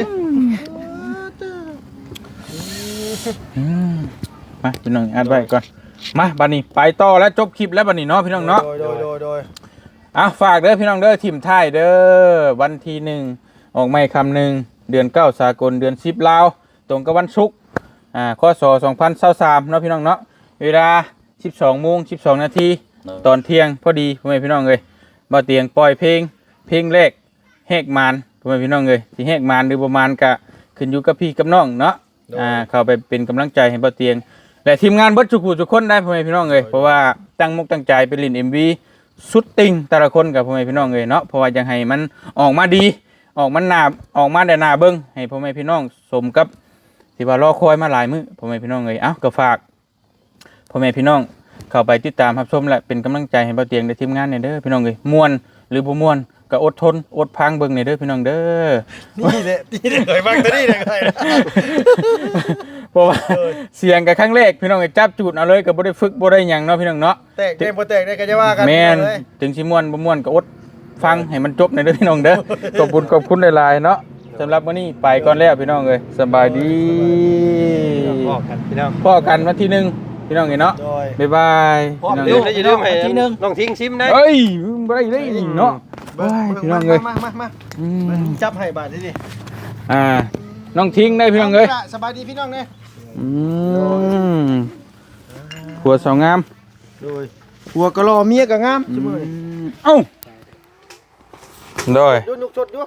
[SPEAKER 1] มาพี่น้องอัดไว้ก่อนมาบัดนี้ไปต่อแล้วจบคลิปแล้วบัดนี้เนาะพี่น้องเนาะ
[SPEAKER 3] โดย
[SPEAKER 1] ฝากเด้อพี่น้องเด้อทีมไทยเด้อวันที่1ออกไม่คำหนึ่งเดือน9สากลเดือน10ลาวตรงกับวันศุกร์คศ2023เนาะพี่น้องเนาะเวลา 12:12 นาทีตอนเที่ยงพอดีพ่อแม่พี่น้องเอ้ยบ่เตียงปล่อยเพลงแรกแหกมานพ่อแม่พี่น้องเอ้ยสิแหกมานหรือบ่มานก็ขึ้นอยู่กับพี่กับน้องเนาะเข้าไปเป็นกำลังใจให้บ่เตียงและทีมงานเบิดทุกผู้ทุกคนได้พ่อแม่พี่น้องเอ้ยเพราะว่าตั้งมุกตั้งใจไปเล่น MV สุดติ่งแต่ละคนกับพ่อแม่พี่น้องเอ้ยเนาะเพราะว่าอยากให้มันออกมาดีออกมาได้น่าเบิ่งให้พ่อแม่พี่น้องสมกับที่ว่ารอคอยมาหลายมื้อพ่อแม่พี่น้องเอ้ยเอ้าก็ฝากพ่อแม่พี่น้องเข้าไปติดตามรับชมและเป็นกำลังใจให้บ่เตียงในทีมงานเนี่ยเด้อพี่น้องเอ้ยม่วนหรือบ่ม่วนก็อดทนอดพังเบิ่งเนี่ยเด้อพี่น้องเด้อ
[SPEAKER 3] นี่แหละเลยบ้างตัวนี้เลย
[SPEAKER 1] เพราะว่าเสียงกับครั้งแรกพี่น้องก็จับจุดเอาเลยก็บ่ได้ฝึกบ่ได้หยังเนาะพี่น้องเนาะ
[SPEAKER 3] แตกได้บ่แตกได้ก็จะว่ากัน
[SPEAKER 1] แม่นถึงสิม่วนบ่ม่วนก็อดฟังให้มันจบในอยเด้อพี่น้องเด้อขอบคุณหลายๆเนาะสำหรับมื้อนี้ไปก่อนแล้วพี่น้องเอ้ยสบายดี
[SPEAKER 2] พ่อกันพี่น้อง
[SPEAKER 1] พอกันวันที่1พี่น้องเอ้ยเนาะ
[SPEAKER 3] โดย
[SPEAKER 1] บ๊ายบายพี่น้อง
[SPEAKER 2] ลื
[SPEAKER 1] เอ้
[SPEAKER 2] ม
[SPEAKER 1] ย
[SPEAKER 2] ได้อย่าลืมให้น้องทิ้งซิมได้
[SPEAKER 1] เอ้ยบ่ได้เลยนี่เนาะ
[SPEAKER 3] เบิ่ง
[SPEAKER 1] พี่น้องเอ้ย
[SPEAKER 3] มา
[SPEAKER 1] อืม
[SPEAKER 3] จับให้บาทนี่ดิ
[SPEAKER 1] น้องทิ้งได้พี่น้องเอ้ย
[SPEAKER 3] สบายดีพี่น้องเด้
[SPEAKER 1] อืมหัวสาวงาม
[SPEAKER 3] โดยหัวก็รอเมียก็งามซุมื้อนี้
[SPEAKER 1] เอ้าโดย
[SPEAKER 3] ดูนุกชดดู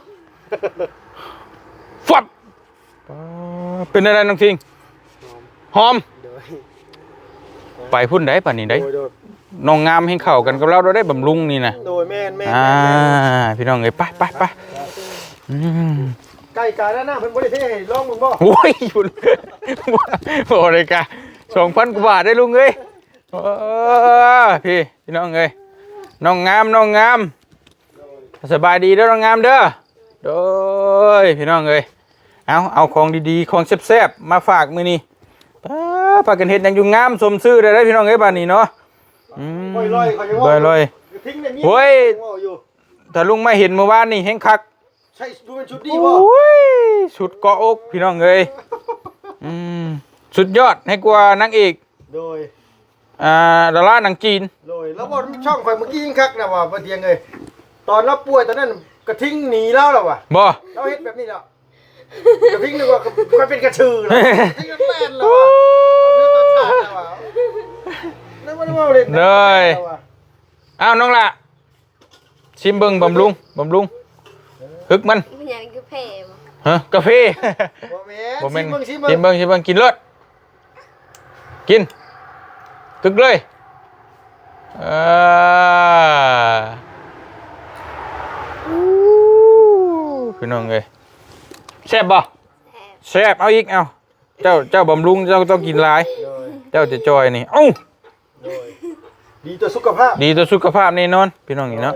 [SPEAKER 1] ฟับเป็นอะไรน้องทิ้งหอม
[SPEAKER 3] โดย
[SPEAKER 1] ไปพุ่นได้ป่ะนี่ได้
[SPEAKER 3] โดย
[SPEAKER 1] น้องงามให้เข้ากันกับเราได้บำรุงนี่นะ
[SPEAKER 3] โดยแม่น
[SPEAKER 1] พี่น้องเอ้ยไปอืม
[SPEAKER 3] ไก่กาด้านหน้าเพิ่นบ่ได้เท่ให้ลองมึงบ่
[SPEAKER 1] โอ้ยอยู่โอ้เลยกะ2,000 กว่าบาทได้ลุงเอ้ยพี่น้องเอ้ยน้องงามสบายดีเด้อน้องงามเด้อโดยพี่น้องเอ้ยเอาของดีๆของแซ่บๆมาฝากมื้อนี้พากันเฮ็ดหยังอยู่งามสมชื่อได้พี่น้องเอ้ยบัดนี้เนาะ
[SPEAKER 3] ลอยเขาจะว่า
[SPEAKER 1] ลอย
[SPEAKER 3] ทิ้งในมี
[SPEAKER 1] โอ้ย
[SPEAKER 3] อยู่
[SPEAKER 1] ถ้าลุงมาเห็นเมื่อวานนี่แฮงคัก
[SPEAKER 3] ใช่ดูเป็นชุดดีบ่
[SPEAKER 1] โอ้ยชุดเกาะอกพี่น้องเอ้ยสุดยอดให้กว่านางเอก
[SPEAKER 3] โดย
[SPEAKER 1] ดาราหนังจีน
[SPEAKER 3] โดยแล้วบ่ช่องข่อยเมื่อกี้ยิ่งคักนะว่าบ่เตียงเอ้ยตอนเราป่วยตอนนั้นกระทิ้งหนีแล้วล่ะว่ะ
[SPEAKER 1] บ่
[SPEAKER 3] เราเฮ็ดแบบนี้แล้วกระทิ้งนึกว่าค่อยเป็นกระชือแล้วทิ้งแม่นแล้วว่ะเอาเรื่องต้นชาติแล้วว่ะแล้วบ่ได้ว่าเล่น
[SPEAKER 1] เลยอ้าวน้องล่ะชิมเบิ่งบำรุงฮึกมัน
[SPEAKER 5] มันยังคือเพลง
[SPEAKER 1] ฮะกาแฟ
[SPEAKER 3] บ่แม่น
[SPEAKER 1] บ่แม่น
[SPEAKER 3] ชิม
[SPEAKER 1] ชิมเบิ่งกินเลิศกินคึกเลยพี่น้องเอ้ยแซ่บบ่แซ่บเอาอีกเอาเจ้าบำรุงเจ้าต้องกินหลายเจ้าจะจอยนี่เอ้า
[SPEAKER 3] ดีต่อสุขภาพ
[SPEAKER 1] ดีต่อสุขภาพแน่นอนพี่น้องนี่เนาะ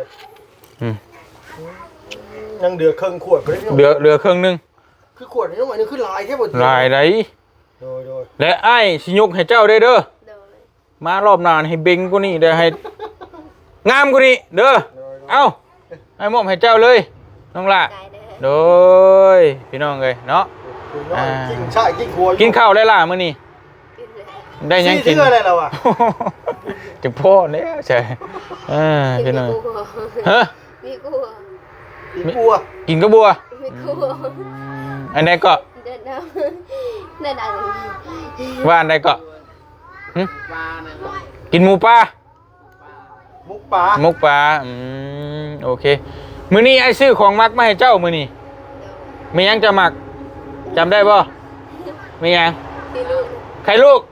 [SPEAKER 3] ยังเดือเครื่องขวดบ่ได้
[SPEAKER 1] เหลือครึ่งนึง
[SPEAKER 3] คือขวดนี่มันคือลายแค่บ่
[SPEAKER 1] ลายไหน
[SPEAKER 3] โดย
[SPEAKER 1] และไอ้สิยกให้เจ้าได้เด้อ
[SPEAKER 5] โดย
[SPEAKER 1] มารอบหน้าให้เบ่งกว่านี้เด้อให้งามกว่านี้เด้อเอ้าให้มอบให้เจ้าเลยน้องล่ะ
[SPEAKER 5] กายเด้อ
[SPEAKER 1] โดยพี่น้องเอ้ยเนาะ
[SPEAKER 3] กินชายกินครัว
[SPEAKER 1] กินข้าวได้ล่ะมื้อนี้
[SPEAKER 5] กินเลย
[SPEAKER 1] ได้หยังกิน
[SPEAKER 3] เสื้ออะไรแล้วอ่ะ
[SPEAKER 1] จังพ่อแล้วใช่พี่น้อง
[SPEAKER 5] มีกู
[SPEAKER 1] ฮะ
[SPEAKER 5] มีกู
[SPEAKER 3] กินบัว
[SPEAKER 1] กินกระบัว
[SPEAKER 5] มีกู
[SPEAKER 1] อันใดก็
[SPEAKER 5] เดินเอาเดินเอา
[SPEAKER 1] ว่าอันใดก็หึกินหมูปลา
[SPEAKER 3] มุกปลา
[SPEAKER 1] มุกปลาโอเคมื้อนี้ไอ้ซื้อของมักมาให้เจ้ามื้อนี้มีหยังจะมักจำได้บ่มีหยัง
[SPEAKER 5] ที่ลูก
[SPEAKER 1] ใครลูก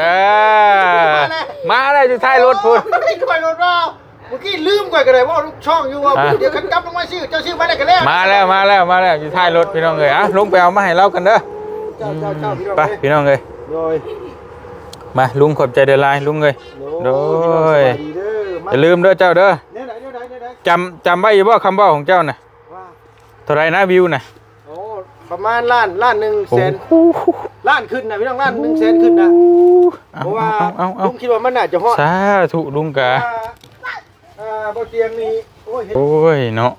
[SPEAKER 1] มาได้อยู่ท้ายรถพุ่น
[SPEAKER 3] ไม่ค่อยรถว่าเมื่อกี้ลืมก่อนก็ได้ว่าลูกช่องอยู่ว่าเดี๋ยวขันกลับลงมาชื่อเจ้าชื่อมาได้กันแล้ว
[SPEAKER 1] มาแล้วอยู่ท้ายรถพี่น้องเอ้ยลงไปเอามาให้เรากันเด้อ
[SPEAKER 3] เจ้าพี่น้อง
[SPEAKER 1] ไปพี่น้องเอ้ย
[SPEAKER 3] โดย
[SPEAKER 1] มาลุงขอบใจเด้อลายลุงเอ้ยโดย
[SPEAKER 3] ดีเด้อ
[SPEAKER 1] อย่าลืมเด้อเจ้าเด้อ
[SPEAKER 3] เนี่ยไหน
[SPEAKER 1] จำไว้อยู่บ่คำเว้าของเจ้าน่ะ
[SPEAKER 3] ว่า
[SPEAKER 1] เท่าไรนะวิวน่ะ
[SPEAKER 3] โอ้ประมาณล้าน100,000ล้านขึ้นนะพี่น้องล้าน100,000ขึ้นนะเพราะว่า
[SPEAKER 1] เอา
[SPEAKER 3] ลุงคิดว่ามันน่าจะฮอด
[SPEAKER 1] สาธุลุงกะ
[SPEAKER 3] บ่เตียงนี่โอ้ย
[SPEAKER 1] โอ้ยเนาะ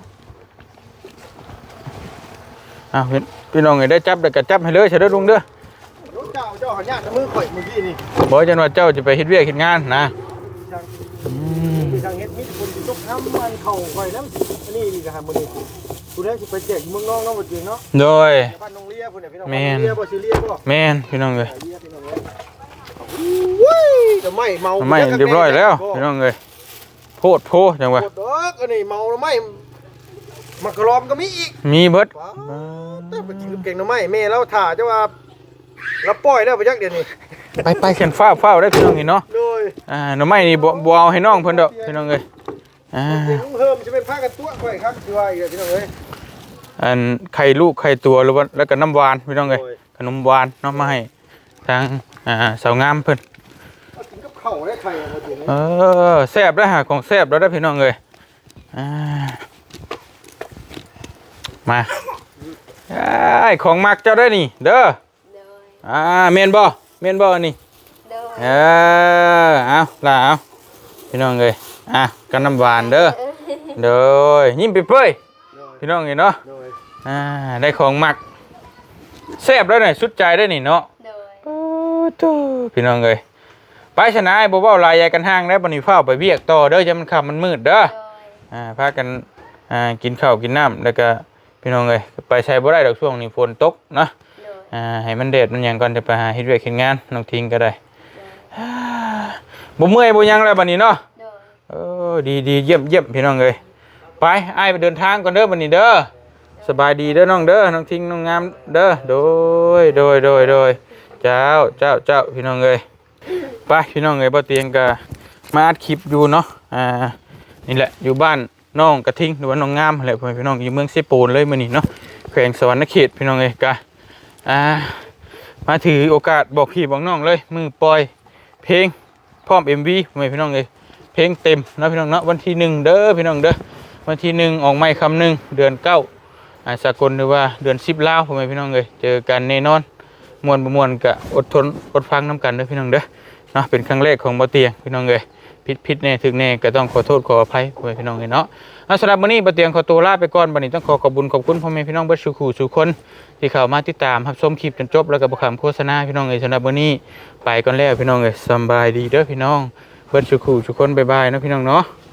[SPEAKER 1] อ้าวพี่น้องเอ้ยได้จับได้ก็จับให้เลยเฉยเด้อลุงเด้อ
[SPEAKER 3] เจ้าหันยากมือข่อยเมื่อกี้นี่
[SPEAKER 1] บอกจังว่าเจ้าจะไปเฮ็ดเวียกเฮ็ดงานนะ
[SPEAKER 3] มีทางเฮ็ดมีคนสิตกน้ำมันเข้าข่อยน้ำอันนี้นี่ก็หามื้อนี้กูได้สิไปแจกเมืองน้องเนาะบ่จริงเนาะ
[SPEAKER 1] โดย
[SPEAKER 3] บ้านน้องเลียพุ่นน่ะพี่น้อง
[SPEAKER 1] แม่น
[SPEAKER 3] เลียบ่สิเลียบ่
[SPEAKER 1] แม่นพี่น้องเอ้ย
[SPEAKER 3] เลียพี่น้องแต่ไม่เมา
[SPEAKER 1] ไม่เรียบร้อยแล้วพี่น้องเอ้ยโพดโพจังหวะ
[SPEAKER 3] โคตรดอกอันนี้เมาแล้วไม่มักกะลอมก็มีอีก
[SPEAKER 1] มีเบิด
[SPEAKER 3] ว้าวแต่ไปกินกับเก่งหน่อไม้แม่เราถ่าจะว่าเราปล่อยแล้วไปยักเดี๋ยวนี้
[SPEAKER 1] ไปเขียนฟ้าวได้พี่น้องนี่เนาะ
[SPEAKER 3] โดย
[SPEAKER 1] หน่อไม้นี่บ่เอาให้น้องเพิ่นดอกพี่น้องเอ้ย
[SPEAKER 3] เก่งเพิ่มจะเป็นผ้ากันตัวค่อยครับสิว่าอีกพี่น้องเอ้ย
[SPEAKER 1] อันไข่ลูกไข่ตัวหรือว่าแล้วก็น้ำหวานพี่น้องเอ้ย
[SPEAKER 3] โอ้ย
[SPEAKER 1] ขนมหวานเนาะมาให้ทางสาวงามเพิ่น
[SPEAKER 3] เอากินกับข้าวได้ไข่เอาเดี๋ยวนี้
[SPEAKER 1] แซ่บแล้วหาของแซ่บแล้วได้อพี่น้องเอ้ยมาไอ้ของมักเจ้าได้อนี่เด้อ
[SPEAKER 5] โดย
[SPEAKER 1] เมนบ่นี่
[SPEAKER 5] โดย
[SPEAKER 1] เอาล่ะเอาพี่น้องเอ้ยกันน้ำหวานเด้อเด้อยิ้มไปเปื่อยพี่น้องเอ้ยเนาะ
[SPEAKER 3] โดย
[SPEAKER 1] ได้ของมักแซ่บแล้วนี่สุดใจได้อนี่เนาะ
[SPEAKER 5] โดย
[SPEAKER 1] โอ้โธ่พี่น้องเอ้ยไปชนะไอ้บ่เว้าลายใหญ่กันห้างแล้วบัดนี้ฟ้าวไปเวียกต่อเด้อจะมันค่ำมันมืดเด้อ
[SPEAKER 5] โดย
[SPEAKER 1] พากันกินข้าวกินน้ำแล้วก็พี่น้องเอ้ยไปใช้บ่ได้ดอกช่วงนี้ฝนตกเนาะ
[SPEAKER 5] โดย
[SPEAKER 1] ให้มันแดดมันหยังก่อนจะไปหาเฮ็ดเวียกเฮ็ดงานน้องทิ้งก็ได้บ่เมื่อยบ่หยังแล้วบัดนี้เนาะ
[SPEAKER 5] โดย
[SPEAKER 1] ดีเยี่ยมพี่น้องเอ้ยไปอ้ายไปเดินทางก่อนเด้อบัดนี้เด้อสบายดีเด้อน้องเด้อน้องทิ้งน้องงามเด้อโดยเจ้าพี่น้องเอ้ยไปพี่น้องเอ้ยบ่เตียงก็มาอัดคลิปอยู่เนาะนี่แหละอยู่บ้านน้องกระทิงหรือว่าน้องงามแหละพี่น้องอยู่เมืองเซโปนเลยมื้อนี้เนาะแขวงสวรรณเขตพี่น้องเอ้ยกะมาถือโอกาสบอกพี่บอกน้องเลยมือปล่อยเพลงพร้อม MV พี่น้องเอ้ยเพลงเต็มนะพี่น้องเนาะวันที่1เด้อพี่น้องเด้อวันที่1ออกไม้คำ1เดือน9สากลหรือว่าเดือน10ลาวพี่น้องเอ้ยเจอกันแน่นอนม่วนบ่ม่วนก็อดทนอดฟังนํกันเด้อพี่น้องเด้อเนาะเป็นครั้งแรกของบ่เตียงพี่น้องเอ้ยผิดแน่ถึกแน่ก็ต้องขอโทษขออภัยพี่น้องเอ้ยเนาะสำหรับวันนี้บ่เตียงขอตัวลาไปก่อนบัดนี้ต้องขอขอบคุณพ่อแม่พี่น้องเบิดทุกคนที่เข้ามาติดตามรับชมคลิปจนจบแล้วก็บ่ขำโฆษณาพี่น้องเอ้ยสำหรับวันนี้ไปก่อนแล้วพี่น้องเอ้ยสบายดีเด้อพี่น้องเบิดทุกคนบ๊ายบายนะพี่น้องเนาะ